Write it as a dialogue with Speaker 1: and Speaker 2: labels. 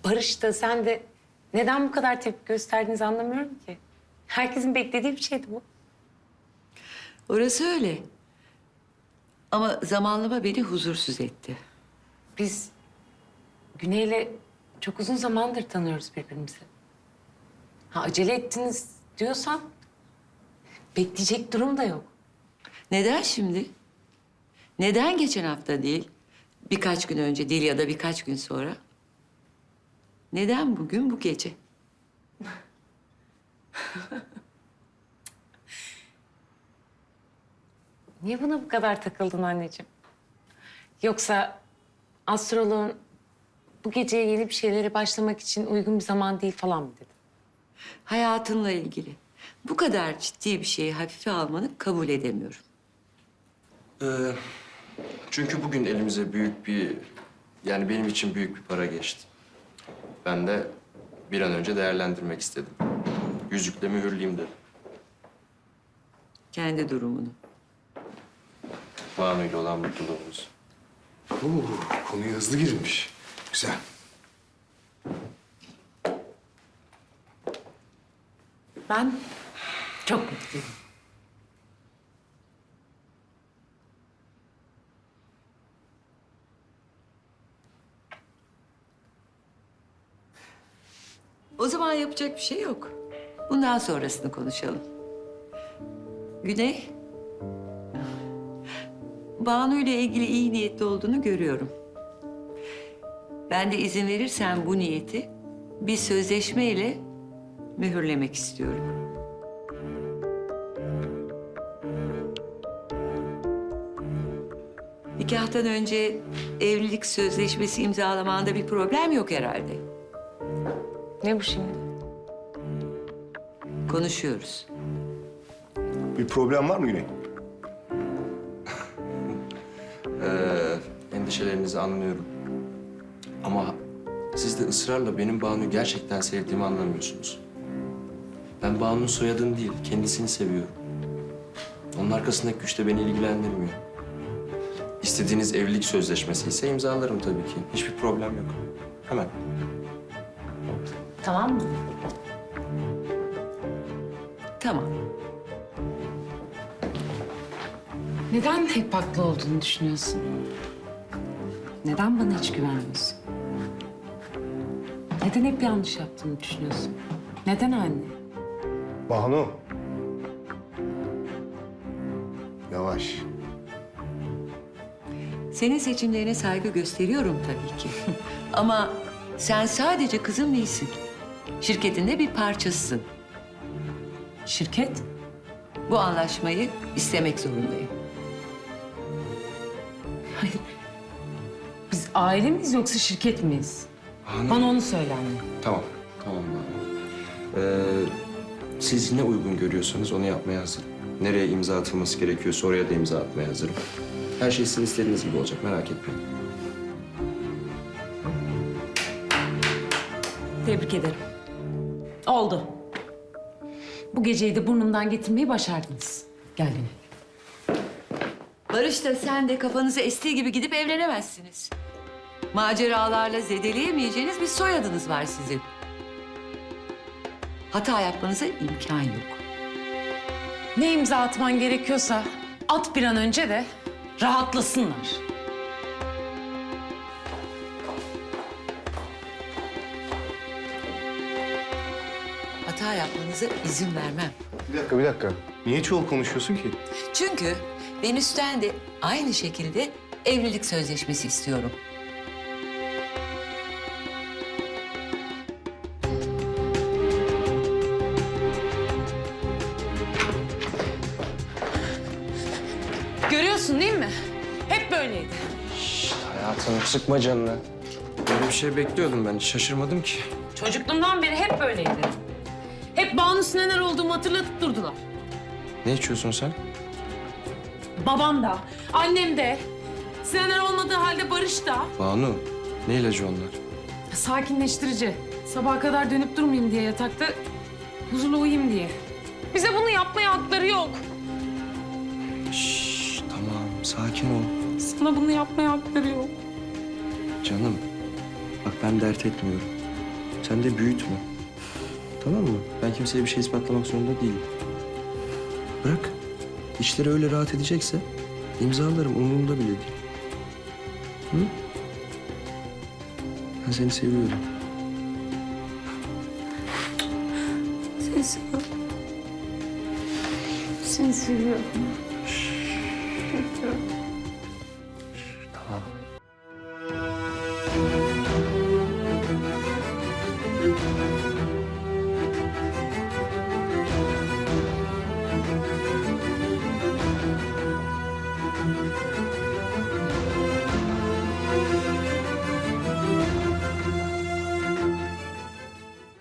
Speaker 1: Barış da sen de neden bu kadar tepki gösterdiğinizi anlamıyorum ki. Herkesin beklediği bir şeydi bu.
Speaker 2: Orası öyle. Ama zamanlama beni huzursuz etti.
Speaker 1: Biz Güney'le çok uzun zamandır tanıyoruz birbirimizi. Ha acele ettiniz diyorsan bekleyecek durum da yok.
Speaker 2: Neden şimdi? Neden geçen hafta değil? Birkaç gün önce değil ya da birkaç gün sonra? Neden bugün, bu gece?
Speaker 1: Niye buna bu kadar takıldın anneciğim? Yoksa astroloğun bu geceye yeni bir şeylere başlamak için uygun bir zaman değil falan mı dedi?
Speaker 2: Hayatınla ilgili. Bu kadar ciddi bir şeyi hafife almanı kabul edemiyorum.
Speaker 3: Çünkü bugün elimize yani benim için büyük bir para geçti. Ben de bir an önce değerlendirmek istedim. Yüzükle mühürleyeyim dedim.
Speaker 2: Kendi durumunu.
Speaker 3: Banu ile olan mutluluğumuz.
Speaker 4: Konuya hızlı girmiş. Güzel.
Speaker 1: Ben çok mutluyum.
Speaker 2: O zaman yapacak bir şey yok. Bundan sonrasını konuşalım. Güney, Banu ile ilgili iyi niyetli olduğunu görüyorum. Ben de izin verirsen bu niyeti bir sözleşmeyle mühürlemek istiyorum. Nikahtan önce evlilik sözleşmesi imzalamanda bir problem yok herhalde.
Speaker 1: Ne bu şimdi?
Speaker 2: Konuşuyoruz.
Speaker 4: Bir problem var mı Güney?
Speaker 3: Endişelerinizi anlıyorum. Ama siz de ısrarla benim Banu'yu gerçekten sevdiğimi anlamıyorsunuz. Ben Banu'nun soyadını değil, kendisini seviyorum. Onun arkasındaki güç de beni ilgilendirmiyor. İstediğiniz evlilik sözleşmesi ise imzalarım tabii ki. Hiçbir problem yok. Hemen.
Speaker 1: Tamam mı?
Speaker 2: Tamam.
Speaker 1: Neden hep haklı olduğunu düşünüyorsun? Neden bana hiç güvenmiyorsun? Neden hep yanlış yaptığını düşünüyorsun? Neden anne?
Speaker 4: Banu. Yavaş.
Speaker 2: Senin seçimlerine saygı gösteriyorum tabii ki. Ama sen sadece kızım değilsin. Şirketin de bir parçasısın.
Speaker 1: Şirket?
Speaker 2: Bu anlaşmayı istemek zorundayım.
Speaker 1: Hayır. Biz aile miyiz yoksa şirket miyiz? Bana onu söyle anne.
Speaker 3: Tamam. Tamam Banu. Siz ne uygun görüyorsanız onu yapmaya hazırım. Nereye imza atılması gerekiyorsa oraya da imza atmaya hazırım. Her şey sizin istediğiniz gibi olacak, merak etmeyin.
Speaker 1: Tebrik ederim. Oldu. Bu geceyi de burnumdan getirmeyi başardınız. Gel Güney.
Speaker 2: Barış da sen de kafanızı estiği gibi gidip evlenemezsiniz. Maceralarla zedeleyemeyeceğiniz bir soyadınız var sizin. Hata yapmanıza imkan yok.
Speaker 1: Ne imza atman gerekiyorsa at bir an önce de rahatlasınlar.
Speaker 2: Hata yapmanıza izin vermem.
Speaker 4: Bir dakika. Niye çoğul konuşuyorsun ki?
Speaker 2: Çünkü Venüs'ten de aynı şekilde evlilik sözleşmesi istiyorum.
Speaker 1: Görüyorsun değil mi? Hep böyleydi.
Speaker 3: Hayatım sıkma canını. Böyle bir şey bekliyordum ben, hiç şaşırmadım ki.
Speaker 1: Çocukluğumdan beri hep böyleydi. Hep Banu'su neler olduğumu hatırlatıp durdular.
Speaker 3: Ne içiyorsun sen?
Speaker 1: Babam da, annem de, Sinener olmadığı halde Barış da.
Speaker 3: Banu, ne ilacı onlar?
Speaker 1: Sakinleştirici. Sabaha kadar dönüp durmayayım diye yatakta, huzurlu uyuyayım diye. Bize bunu yapmaya hakları yok.
Speaker 3: Şşş, tamam, sakin ol.
Speaker 1: Sana bunu yapmaya hakları yok.
Speaker 3: Canım, bak ben dert etmiyorum. Sen de büyütme. Tamam mı? Ben kimseye bir şey ispatlamak zorunda değilim. Bırak. İşleri öyle rahat edecekse imzalarım, umurumda bile değil. Hı? Ben seni seviyorum.
Speaker 1: Seni seviyorum. Seni seviyorum.